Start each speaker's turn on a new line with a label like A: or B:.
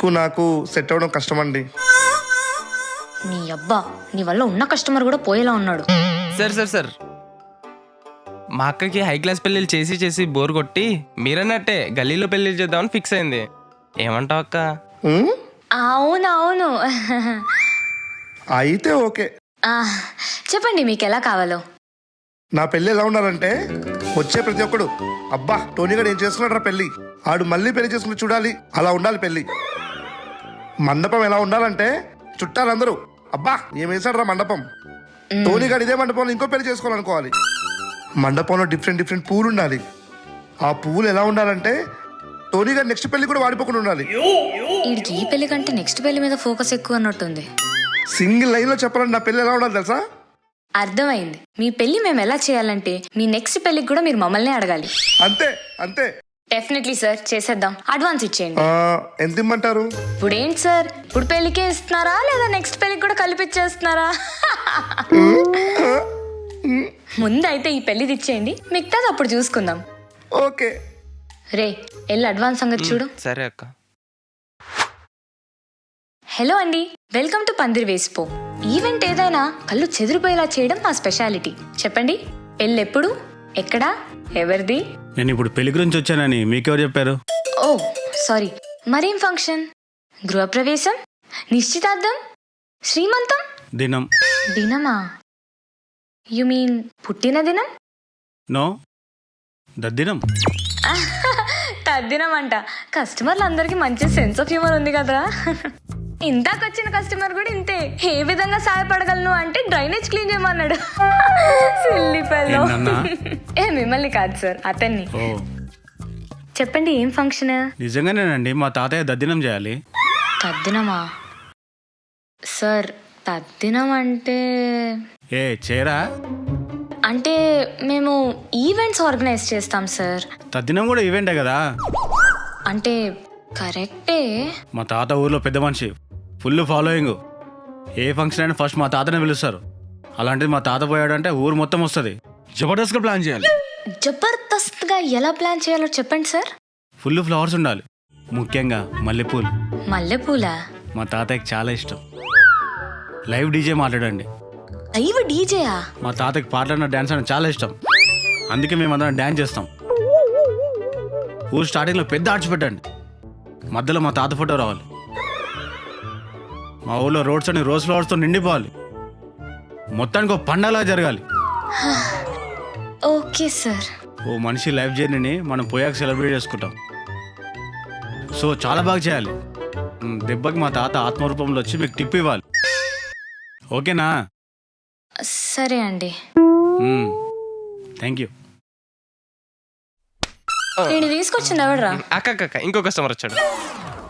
A: మీకు నాకు సెట్ అవ్వడం కష్టం అండి.
B: నీ అబ్బా, నీ వల్ల ఉన్న కస్టమర్ కూడా పోయేలా ఉన్నాడు.
C: సార్ మా అక్కకి హై క్లాస్ పెళ్ళిళ్ళు చేసి చేసి బోర్ కొట్టి మీరన్నట్టే గల్లీలో పెళ్ళిళ్ళు చేద్దామని ఫిక్స్ అయింది. ఏమంటావు అక్క?
B: అవునవును.
A: అయితే ఓకే.
B: చెప్పండి మీకు ఎలా కావాలో.
A: నా పెళ్ళి ఎలా ఉండాలంటే వచ్చే ప్రతి ఒక్కడు అబ్బా టోనీ గారు ఏం చేస్తున్నాడు రా పెళ్ళి, ఆడు మళ్ళీ పెళ్లి చేసుకుని చూడాలి, అలా ఉండాలి పెళ్ళి. మండపం ఎలా ఉండాలంటే చుట్టాలందరూ అబ్బా ఏం వేసాడు రా మండపం, టోనీ గారు ఇదే మండపంలో ఇంకో పెళ్లి చేసుకోవాలనుకోవాలి. మండపంలో డిఫరెంట్ పూలు ఉండాలి. ఆ పువ్వులు ఎలా ఉండాలంటే టోనీ గారు నెక్స్ట్ పెళ్లి కూడా వాడిపోకుండా ఉండాలి.
B: వీడికి ఈ పెళ్లి కంటే నెక్స్ట్ పెళ్లి మీద ఫోకస్ ఎక్కువ అన్నట్టుంది.
A: సింగిల్ లైన్ లో చెప్పాలంటే నా పెళ్లి ఎలా ఉండాలి తెలుసా?
B: అర్థమైంది. మీ పెళ్లి మేము ఎలా చేయాలంటే మీ నెక్స్ట్ పెళ్లికి కూడా మీరు మమ్మల్ని అడగాలి.
A: అంతే అంతే.
B: డెఫినెట్లీ సార్, చేసేద్దాం. అడ్వాన్స్ ఇచ్చేయండి.
A: ఎంత ఇమ్మంటారు?
B: ఇప్పుడు ఏంటి సార్, ఇప్పుడు పెళ్లికే ఇస్తున్నారా లేదా నెక్స్ట్ పెళ్లికి కూడా కలిపిచ్చేస్తున్నారా? ముందైతే ఈ పెళ్లిది ఇచ్చేయండి, మిగతాది అప్పుడు చూసుకుందాం.
A: ఓకే
B: రే వెళ్ళి అడ్వాన్స్ సంగతి చూడు.
C: సరే అక్క.
B: హలో అండి, వెల్కమ్ టు పందిరి వేసిపో. ఈవెంట్ ఏదైనా కళ్ళు చెదిరిపోయేలా చేయడం మా స్పెషాలిటీ. చెప్పండి, పెళ్ళి ఎప్పుడు, ఎక్కడా, ఎవరిది?
D: నేను ఇప్పుడు పెళ్లి గురించి వచ్చానని మీకెవరు చెప్పారు?
B: ఓ సారీ. మరేం ఫంక్షన్? గృహప్రవేశం, నిశ్చితార్థం, శ్రీమంతం?
D: దినం.
B: దినమా? యు మీన్ పుట్టిన దినం?
D: నో, దద్దినం.
B: తద్దినం అంట. కస్టమర్లు అందరికి మంచి సెన్స్ ఆఫ్ హ్యూమర్ ఉంది కదా. ఇందాకొచ్చిన కస్టమర్ కూడా ఇంతే. ఏ విధంగా సహాయపడగలను అంటే డ్రైనేజ్ క్లీన్ చేయమన్నాడు. Silly fellow. ఏ మిమ్మల్ని కాదు సార్, అతన్ని.
D: ఓ
B: చెప్పండి ఏం ఫంక్షన్?
D: నిజంగానేనండి, మా తాతయ్య దద్దినం చేయాలి.
B: తద్దినమా? సార్ తద్దినం అంటే
D: చేయరా?
B: అంటే మేము ఈవెంట్స్ ఆర్గనైజ్ చేస్తాం సార్.
D: తద్దినం కూడా ఈవెంటే కదా.
B: అంటే కరెక్టే.
D: మా తాత ఊర్లో పెద్ద మనిషి, ఫుల్ ఫాలోయింగ్. ఏ ఫంక్షన్ అయినా ఫస్ట్ మా తాతనే పిలుస్తారు. అలాంటిది మా తాత పోయాడంటే ఊరు మొత్తం వస్తుంది. జబర్దస్త్గా ప్లాన్ చేయాలి.
B: జబర్దస్త్గా ఎలా ప్లాన్ చేయాలో చెప్పండి సార్.
D: ఫుల్ ఫ్లవర్స్ ఉండాలి, ముఖ్యంగా మల్లెపూలు.
B: మల్లెపూలా?
D: మా తాతయ్యకి చాలా ఇష్టం. లైవ్ డీజే మాట్లాడండి.
B: లైవ్ డీజేయా?
D: మా తాతకి పాటలన్న డ్యాన్స్ అంటే చాలా ఇష్టం, అందుకే మేము అందరం డ్యాన్స్ చేస్తాం. ఊరు స్టార్టింగ్లో పెద్ద ఆర్చ్ పెట్టండి, మధ్యలో మా తాత ఫోటో రావాలి. మా ఊళ్ళో రోడ్స్ అన్ని రోజ్ ఫ్లవర్స్తో నిండిపోవాలి. మొత్తానికి ఒక పండగలా జరగాలి.
B: Okay sir.
D: ఓ మనిషి లైఫ్ జర్నీని మనం పోయాక సెలబ్రేట్ చేసుకుంటాం. సో చాలా బాగా చేయాలి. దెబ్బకి మా తాత ఆత్మరూపంలో వచ్చి మీకు టిప్ ఇవ్వాలి. ఓకేనా?
B: సరే అండి.
D: Thank you.
B: నేను తీసుకొచ్చింది ఎవడరా?
C: అక్క ఇంకో కస్టమర్ వచ్చాడు.